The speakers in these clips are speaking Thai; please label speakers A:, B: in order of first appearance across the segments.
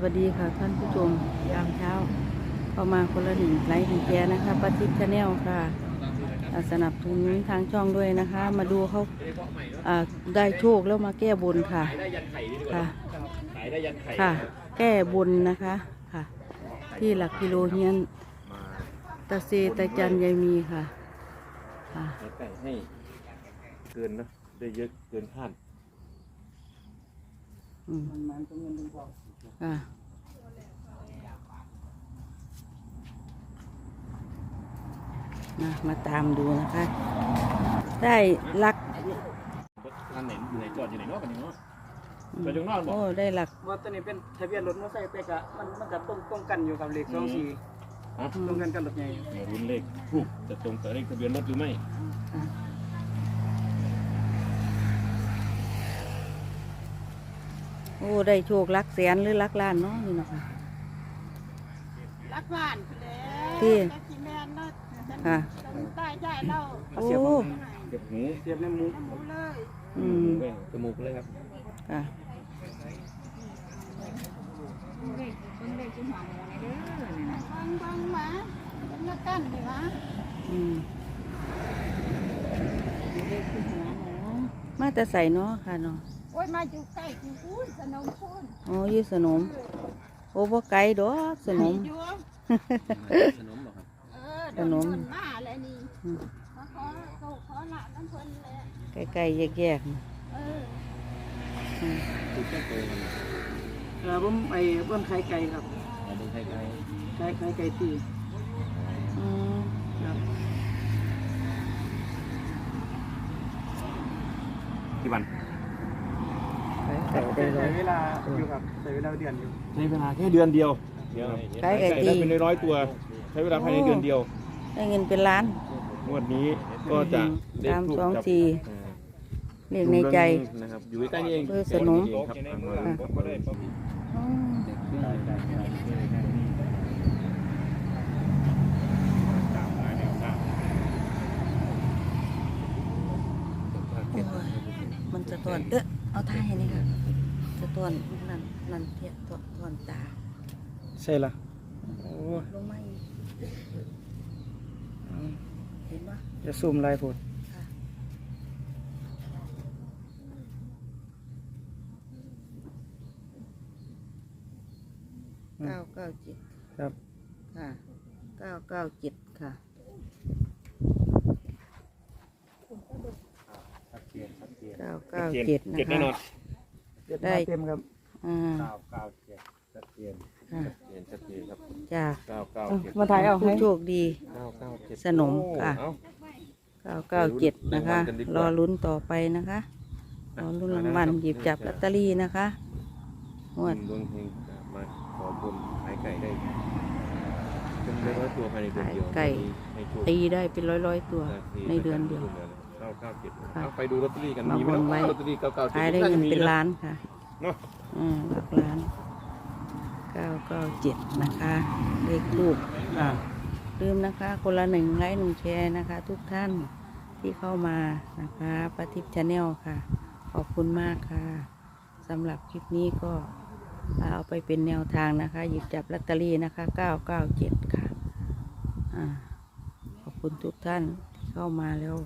A: วัสดีค่ะท่านผู้ชมยามเช้าเข้ามาคนละ1 ไลค์1 แชร์นะคะป้าทิพย์ชาแนลค่ะสนับสนุนทางช่องด้วยนะคะ มาดูเขาได้โชคแล้วมาแก้บนค่ะค่ะค่ะ แก้บนนะคะค่ะ ที่หลักกิโลเฮียนตาเซตาจันยายมีค่ะค่ะ
B: ไก่ให้เกินนะได้เยอะเกินคาด
A: ค่ะมาตามดูนะคะ ได้หลัก
B: ร้านไหนอยู่ไหนจอดอยู่ไหนนอกกันนี่เนาะจอดอยู่นอกบอก
A: โอ้ได้หลัก
C: ว่าตัวนี้เป็นทะเบียนรถมอเตอร์ไซค์เป๊กอะมันจะต้องกันอยู่กับเลข24ตรงกันกับรถใหญ่
B: รุ่นเลขถูกจะตรงกับเลขทะเบียนรถหรือไม่
A: โอ้ได้โชคหลักแสนหรือหลักล้านเนาะนี่เนาะค่ะ
D: รักบ้านแล้ว
A: ที่
D: แม่เนาะ
A: ค่ะ
D: ใต้ใหญ่เรา
A: โอ้
B: เก็บหู
C: เสียบในหมู
D: หมูเลย
B: จมูกเลยครับ
A: ค่ะ
D: บังหมาเป็นนักกันดีวะ
A: มาแต่ใส่เนาะค่ะเนาะ
D: โอ้ยมาอยู่ใกล้อยู่พูนสนมพูน
A: โอ้ยสนมโอ้บ่ไกลดอกสนม
B: สนมหรอครับ
D: สนมมาเลยนี่ขอละน้ำเพลินเลย
A: ไกลๆแยกๆ
B: ถูกแค่โตกัน
C: ผมเบิ้มไข่ไก่ครับ
B: เป็นไข่ไก่
C: ไก่ตี
B: กี่วัน
C: ใช้เวลาอยู่ครับใช้เวลาเดือนอยู่
B: ใช้เวลาแค่เดือนเดียว
A: ไก่ตี
B: ได้เป็น100 ตัวใช้เวลาภายในเดือนเดียว
A: ได้เงินเป็นล้าน
B: งวดนี้ก็จะได้ถูกกับ
A: เรียกในใจ
B: นะครับอยู่ใกล้นี่เอง
A: สนมมันจะตอนเอาท่าให้นี่ค่ะจะตอนนั่นเทียตอนตา
C: ใช่ละโอ้
A: ลงมาอีกเห็นปะ
C: จะซูมลายผล
A: 997ครับค่ะ997ค่ะ997นะคะ
C: ได้เต็มครับ
B: 997ชัดเจนครับ
A: จ้า
C: 997มาถ่ายเอา
A: ให้โชคดีสนมค่ะ997นะคะรอลุ้นต่อไปนะคะรอลุ้นรางวัลหยิบจับลอตเตอรี่นะคะงวด
B: ดวงเฮงมาขอบุญขายไก่ได้เป็น100 ตัวภายในเดือนเดียว
A: ไก่ตีได้เป็นร้อยตัวในเดือนเดียว
B: ไปดูลอตเตอรี่กัน
A: มีไหมลอตเตอรี่997ขายได้เงินเป็นล้านค่ะ
B: เนาะ
A: หลักล้าน997นะคะเลขลูกลืมนะคะคนละ1 ไลค์1 แชร์นะคะทุกท่านที่เข้ามานะคะป้าทิพย์ชาแนลค่ะขอบคุณมากค่ะสำหรับคลิปนี้ก็เอาไปเป็นแนวทางนะคะหยิบจับลอตเตอรี่นะคะ997ค่ะขอบคุณทุกท่านที่เข้ามาแล้ว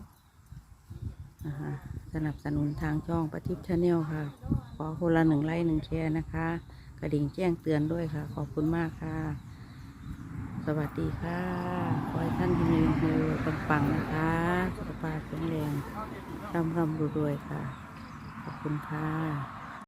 A: สนับสนุนทางช่องป้าทิพย์ชาแนลค่ะขอคนละ1 ไลค์1 แชร์นะคะกระดิ่งแจ้งเตือนด้วยค่ะขอบคุณมากค่ะสวัสดีค่ะขอให้ท่านที่มีมือปังๆนะคะสุขภาพแข็งแรงร่ำรวยค่ะขอบคุณค่ะ